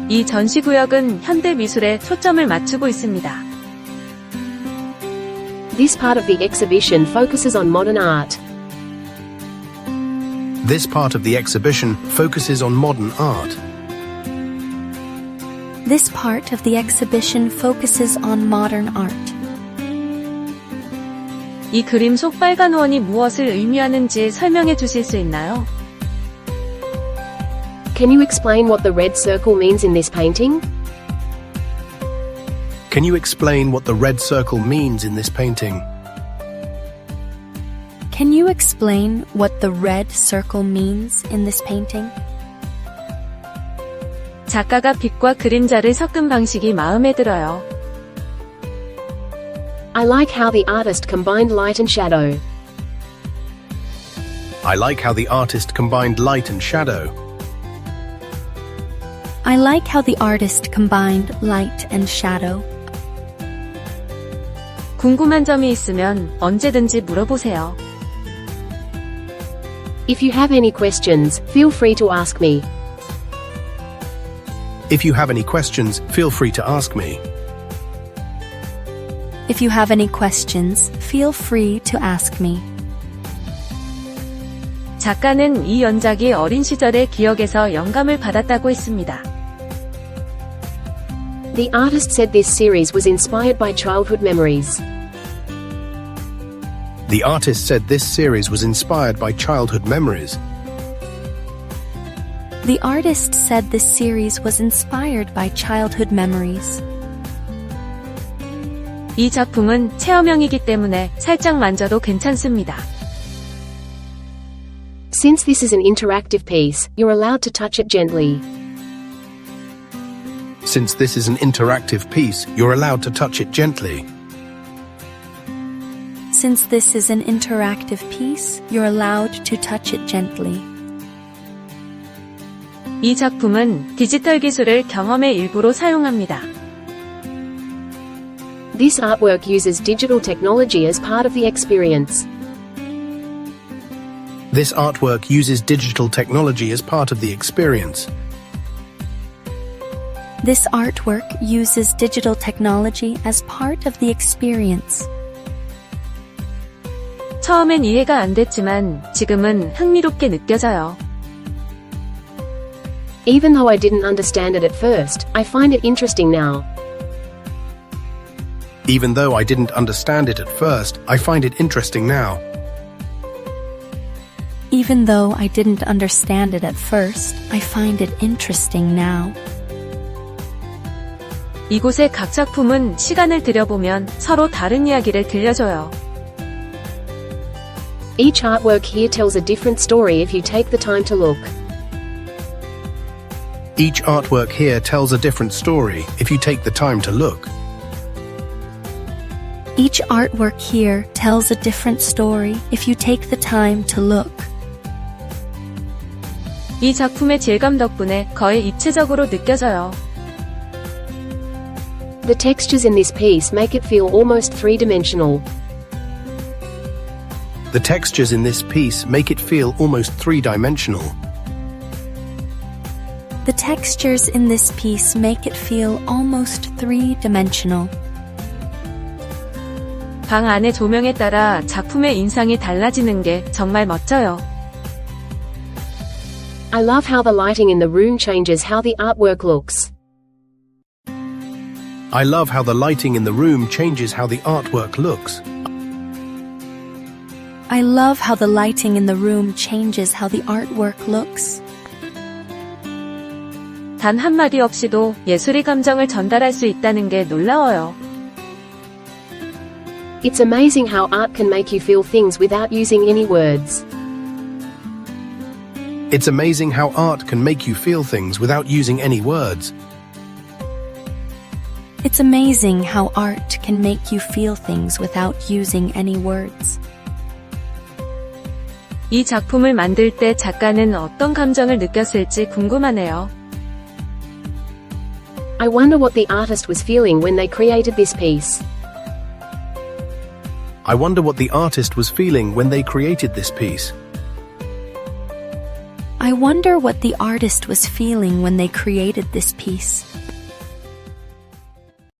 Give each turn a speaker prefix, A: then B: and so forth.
A: 이 전시구역은 현대 미술에 초점을 맞추고 있습니다.
B: This part of the exhibition focuses on modern art.
C: This part of the exhibition focuses on modern art.
D: This part of the exhibition focuses on modern art.
A: 이 그림 속 빨간 원이 무엇을 의미하는지 설명해 주실 수 있나요?
B: Can you explain what the red circle means in this painting?
C: Can you explain what the red circle means in this painting?
D: Can you explain what the red circle means in this painting?
A: 작가가 빛과 그림자를 섞은 방식이 마음에 들어요.
B: I like how the artist combined light and shadow.
C: I like how the artist combined light and shadow.
D: I like how the artist combined light and shadow.
A: 궁금한 점이 있으면 언제든지 물어보세요.
B: If you have any questions, feel free to ask me.
C: If you have any questions, feel free to ask me.
D: If you have any questions, feel free to ask me.
A: 작가는 이 연작이 어린 시절의 기억에서 영감을 받았다고 했습니다.
B: The artist said this series was inspired by childhood memories.
C: The artist said this series was inspired by childhood memories.
D: The artist said this series was inspired by childhood memories.
A: 이 작품은 체험형이기 때문에 살짝 만져도 괜찮습니다.
B: Since this is an interactive piece, you're allowed to touch it gently.
C: Since this is an interactive piece, you're allowed to touch it gently.
D: Since this is an interactive piece, you're allowed to touch it gently.
A: 이 작품은 디지털 기술을 경험의 일부로 사용합니다.
B: This artwork uses digital technology as part of the experience.
C: This artwork uses digital technology as part of the experience.
D: This artwork uses digital technology as part of the experience.
A: 처음엔 이해가 안 됐지만 지금은 흥미롭게 느껴져요.
B: Even though I didn't understand it at first, I find it interesting now.
C: Even though I didn't understand it at first, I find it interesting now.
D: Even though I didn't understand it at first, I find it interesting now.
A: 이곳의 각 작품은 시간을 들여보면 서로 다른 이야기를 들려줘요.
B: Each artwork here tells a different story if you take the time to look.
C: Each artwork here tells a different story if you take the time to look.
D: Each artwork here tells a different story if you take the time to look.
A: 이 작품의 질감 덕분에 거의 입체적으로 느껴져요.
B: The textures in this piece make it feel almost three-dimensional.
C: The textures in this piece make it feel almost three-dimensional.
D: The textures in this piece make it feel almost three-dimensional.
A: 방 안의 조명에 따라 작품의 인상이 달라지는 게 정말 멋져요.
B: I love how the lighting in the room changes how the artwork looks.
C: I love how the lighting in the room changes how the artwork looks.
D: I love how the lighting in the room changes how the artwork looks.
A: 단 한마디 없이도 예술의 감정을 전달할 수 있다는 게 놀라워요.
B: It's amazing how art can make you feel things without using any words.
C: It's amazing how art can make you feel things without using any words.
D: It's amazing how art can make you feel things without using any words.
A: 이 작품을 만들 때 작가는 어떤 감정을 느꼈을지 궁금하네요.
B: I wonder what the artist was feeling when they created this piece.
C: I wonder what the artist was feeling when they created this piece.
D: I wonder what the artist was feeling when they created this piece.